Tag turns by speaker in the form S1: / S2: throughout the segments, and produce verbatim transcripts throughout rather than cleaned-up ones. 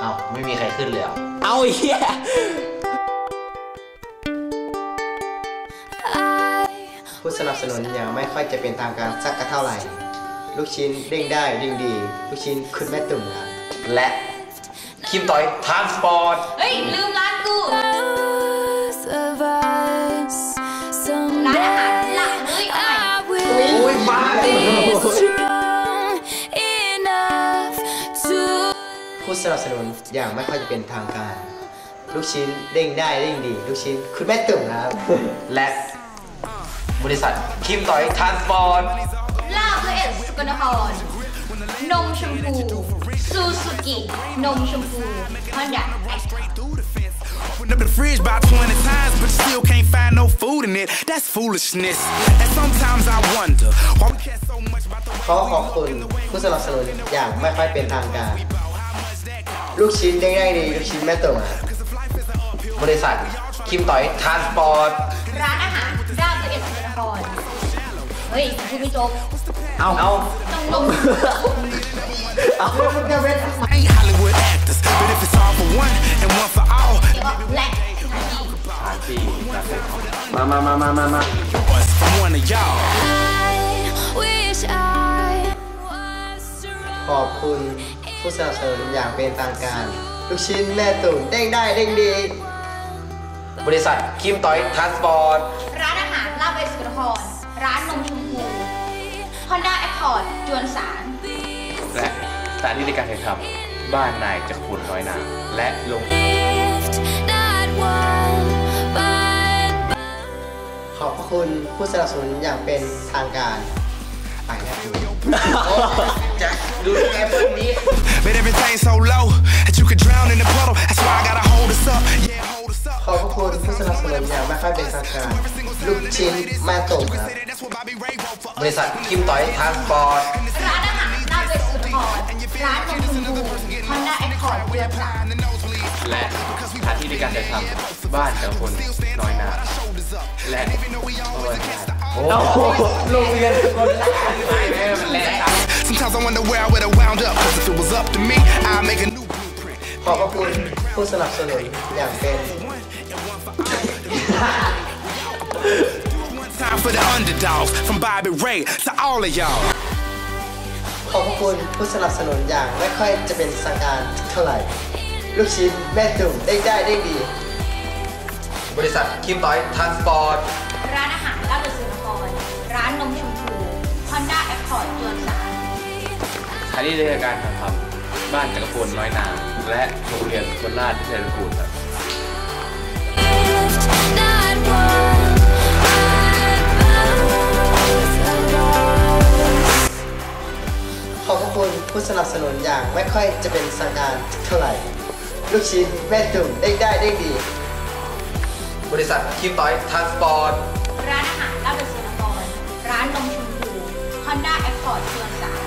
S1: อ้าวไม่มีใครขึ้นเลยอ่ะ
S2: เอาเหี้ย
S3: ผู้สนับสนุนยังไม่ค่อยจะเป็นทางการสักเท่าไหร่ลูกชิ้นเด้งได้ดิ่งดีลูกชิ้นคุณแม่ตุ่มครับ
S1: และคิมต่อยทรานสปอร์ต
S4: เฮ้ยลืมร้านกูร้านอาหารหลักเลยเอาใหม่
S1: โอ้ยบ้า
S3: ผู้สนับสนุนอย่างไม่ค่อยจะเป็นทางการลูกชิ้นเด้งได้เด้งดีลูกชิ้นคุณแม่ตุ่มครับ
S1: และบริษัทคิมต่อยทรานสปอร์ต
S4: ลาบละเอียดสกลนครนมชมพูซูซูกินมชมพูฮอนด้า
S5: Up the fridge about twenty times, but still can't find no food in it. That's foolishness. And sometimes I wonder why we care so much about the.
S3: ขอขอบคุณผู้สนับสนุนอย่างไม่ค่อยเป็นทางการลูกชิ้นเด้งได้ดีลูกชิ้นแม่ตุ่ม
S1: บริษัทคิมต่อยทรานสปอร์ต
S4: ร้านอาหารลาบละเอียดสกลนครเฮ้ยคุณไม่จบ
S1: เอาเอา
S4: ต้องลง
S3: เอา
S5: Ain't Hollywood actors, but if it's all for one and one for all.
S4: และ
S1: สถานที่มามามามามามา
S3: ขอบคุณผู้สนับสนุนอย่างเป็นทางการลูกชิ้นแม่ตุ่มเด้งได้เด้งดี
S1: บริษัทคิมต่อยทรานสปอร์ต
S4: ร้านอาหารลาบละเอียดสกลนครร้านนมชมพูฮอนด้าแอคคอร์ดจวนสาร
S1: และสถานที่ในการถ่ายทำบ้านนายจักรพลน้อยนาและลง
S3: ขอบคุณผู้สนับสนุนอย่างเป็นทางการไปแล้ว
S1: จะดูแอปนี้
S5: But everything's so low that you could drown in the puddle. That's why I gotta hold us up. Yeah, hold us up.
S3: ขอบคุณผู้สนับสนุนอย่างไม่ค่อยเป็นทางการลูกชิ้นแม่ตุ่มครับ
S1: บริษัทคิมต่อยทรานสปอร์ต
S4: ร้านอาหารลาบละเอียดสกลนครร้านนมชมพูฮอนด้าแอคคอร์ดจวนสาร
S1: และสถานที่ในการถ่ายทำบ้านจักรพลน้อยนาและโอ้โหโรงเรียนคนละไม่ไม่มันแรง
S5: Sometimes I wonder where I would have wound up. Cause if it was up to me, I'd make a new blueprint.
S3: ขอบคุณผู้สนับสนุนอย่างเป็น
S5: Time for the underdogs from Bobby Ray to all of y'all.
S3: ขอบคุณผู้สนับสนุนอย่างไม่ค่อยจะเป็นทางการเท่าไหร่ลูกชิ้นแม่ตุ่มเด้งได้เด้งดี
S1: บริษัทคิมต่อยทรานสปอร์ต
S4: ร้านอาหารลาบละเอียดสกลนครร้านนมชมพูฮอนด้าแอคคอร์ดจวนสาร
S1: สถานที่ในการถ่ายทำบ้านจักรพลน้อยนาและโรงเรียนคนราชวิทยาลัยกูลครับ
S3: ขอบคุณผู้สนับสนุนอย่างไม่ค่อยจะเป็นทางการเท่าไหร่ลูกชิ้นแม่ตุ่มเด้งได้เด้งดี
S1: บริษัทคิมต่อยทรานสปอร์ต
S4: ร้านอาหารลาบละเอียดสกลนครร้านนมชมพูฮอนด้าแอคคอร์ดจวนสาร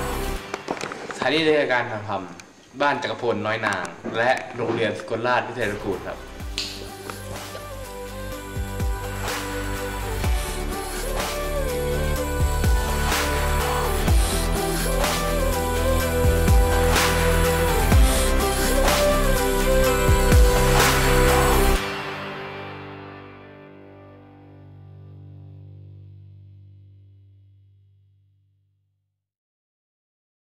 S1: สถานที่ในการถ่ายทำบ้านจักรพลน้อยนางและโรงเรียนสกลราชวิทยาลัยกูลครับ